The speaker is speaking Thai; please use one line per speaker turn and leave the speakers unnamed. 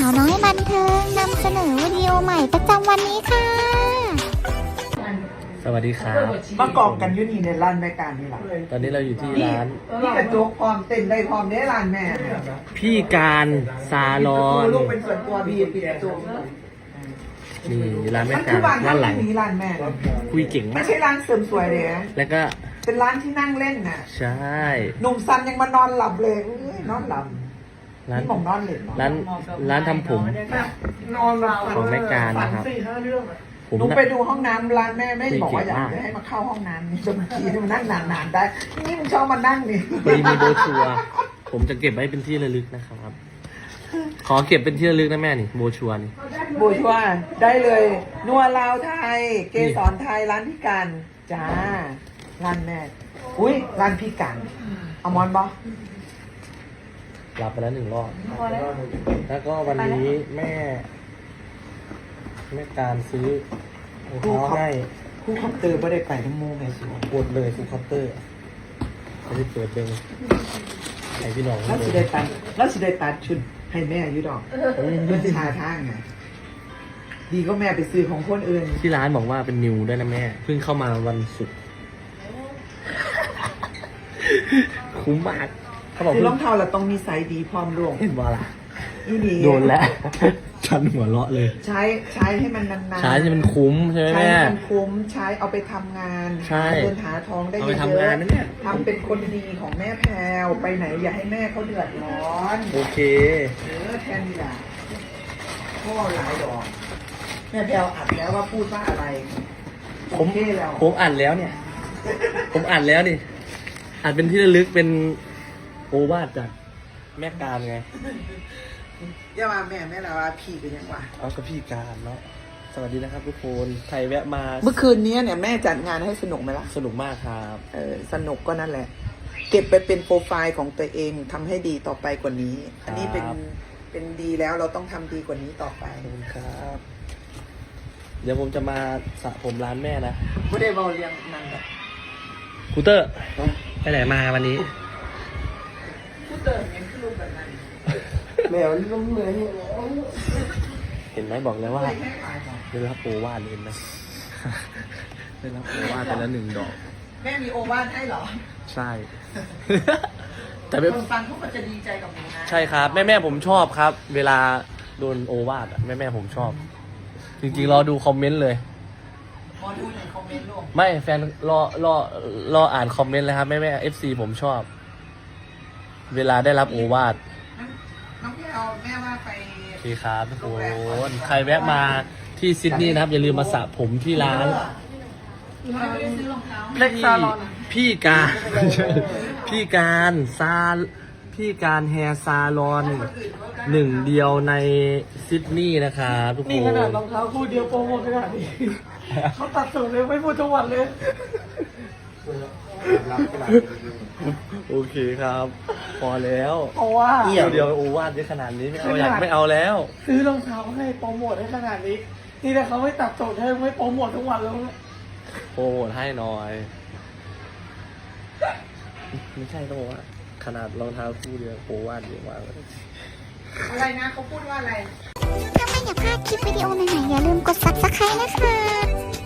าวน้อยบันเทิงนำเสนอวิดีโอใหม่ประจำวันนี้ค่ะ
สวัสดีครับ
มากอกกันอยู่นี่ในร้านแม่การนี่แหละ
ตอนนี้เราอยู่ที่ร้าน
นี่กระจกพร้อมเต็มได้พร้อมได้ร้านแม่เนี่ย
พี่การซาลอน
ลูกเป็นส่วนตัวบีปิดกระจก
นี่อยู่ร้านแม่
มัน
กา
คื
ร
อบ้าน
ด้านหลัง
นี้ร้านแม่นะ
คุยเก่ง
ไม่
มาก
ใช่ร้านเสริมสวยเลยนะ
แล้วก็
เป็นร้านที่นั่งเล่นน่ะ
ใช่
หนุ่มซันยังมานอนหลับเลยอุ้ยนอนหลับ
ร้าน
นี่ผมนอนเล่น
ร้านทำผม
นอนหลับ
ของแม่การนะครับ ผม
หนู
นะ
ไปดูห้องน้ำร้านแม่ไม่บอกว่าอยาก
คุยเก่งมาก
ให้มาเข้าห้องน้ำนี่จนบางทีมันนั่งนานๆได้นี่มึงชอบมานั่งนี่
พอดีมีโบรชัวร์ผมจะเก็บไว้เป็นที่ระลึกนะครับ ขอเก็บเป็นที่ระลึกนะแม่นี่โบรชัวร์นี่
บูชัวได้เลยนัวลาวไทย เกสรไทยร้านพี่กันจ้าร้านแม่อุ้ยร้านพี่กันเอามอนบอ
รับไปแล้ว1 รอบ แล้วก็วันนี้แม่การซื้อรองเท้าให้
คู่คอมเตอร์ไม่ได้ไปทั้งโมงไงสิ
ปวดเลยฟูลเคาน์เตอร์ไม่ได้เปิดเลยไอพี่น้อง
แล้ว
เล
สิ
ย
ได้ตัดแล้วสิได้ตัดชุดให้แม่อยุดอกมันสิหาทางไงดีก็แม่ไปซื้อของคนอื่น
ที่ร้านบอกว่าเป็นนิวด้วยนะแม่เพิ่งเข้ามาวันศุกร์คุ้มมากเขาบอก
คือ
เพิ่
รอง งเท้าเราต้องมีไซส์ดีพร้อมรวม
เห็นว่าล่ะ
อีนี่
โดนแล้ว ฉันหัวเราะเลย
ใช้ให้มันนานๆ
ใช้ที่มันคุ้มใช่ไหม
ใช้
แม่
ให้มันคุ้มใช้เอาไปทำงาน
ใช่
หาเงินหาทองได้
เอา
เย
ไป
อะ
ทำงานนะเนี่ย
ทำเป็นคนดีของแม่แพรวไปไหนอย่าให้แม่เขาเดือดร้อน
โอเค
แทนนี่แหละพ่อหลายดอกแม่แพรวอัดแล้วว่าพูดว่าอะไร
ผม
โอเคแล้ว
ผมอ่านแล้วเนี่ย ผมอ่านแล้วนี่อ่านเป็นที่ระลึกเป็นโอวาทจากแม่การไง
อย่ามาแม่ละว่าพี่เป็นยังวะ
เอากับพี่การเนาะสวัสดีนะครับทุกคนใครแวะมา
เมื่อคืนนี้เนี่ยแม่จัดงานให้สนุกไหมล่ะ
สนุกมากครับ
สนุกก็นั่นแหละ เก็บไปเป็นโปรไฟล์ของตัวเองทำให้ดีต่อไปกว่านี้ อันนี้เป็นดีแล้วเราต้องทำดีกว่านี้ต่อไป
ขอบคุณครับ เดี๋ยวผมจะมาสระผมร้านแม่นะ
ไม่ได้เบาเรียงนั่นแหละ
ครูเตอร์ไปไหนมาวันนี้
พูดเติมยังคือรูปแบบนั้น
แมวนี่ต้องเหนื่อยเห็นไหมบอกแล้วว่า
ไม่แค่ขายของ
ได้รับโอวาทเลยนะ ได้รับโอวาทไปแล้ว1 ดอก
แม่มีโอวาทให้เหรอ
ใช่ แต่ไม่
คนฟังเขาก็จะดีใจกับหนูนะ
ใช่ครับ แม่ผมชอบครับ เวลาโดนโอวาทอะแม่ผมชอบ จริงๆรอดูคอมเมนต์เลย
พอดูในคอมเมนต์ลูก
ไม่แฟนรออ่านคอมเมนต์เลยครับแม่ FC ผมชอบ เวลาได้รับโอวาท
น้องพี่เอาแม่ว่าไป
โอเคครับทุกคนใครแวะมาที่ซิดนีย์นะครับ อย่าลืมมาสระผมที่ร้าน
ไม่ได้ซื้อรองเท้า
พี่การ พี่การพี่การแฮร์ซาลอน1 เดียวในซิดนีย์นะครับทุกคน
นี่ขนาดรองเท้าคู่เดียวโปรโมทขนาดนี้ เขาตัดสูงเลยไม่พูดทุกวันเลย
โอเคครับ พอแล้ว
เพราะว่า
เดียวโอวาทได้ขนาดนี้ไม่เอาอยากไม่เอาแล้ว
ซื้อรองเท้าให้โปรโมทให้ขนาดนี้ นี่ถ้าเขาไม่ตัดสูงให้ไม่โปรโมททุกวันแล้วนะ
โปรโมทให้หน่อย ไม่ใช่ต้องบอกว่า ขนาดรองเท้าคู่เดียวโปรวาดเยอะมากเลย
อะไรนะเขาพูดว่าอะไร
ถ้าไม่อยากพลาดคลิปวิดีโอใหม่ๆอย่าลืมกด subscribe นะคะ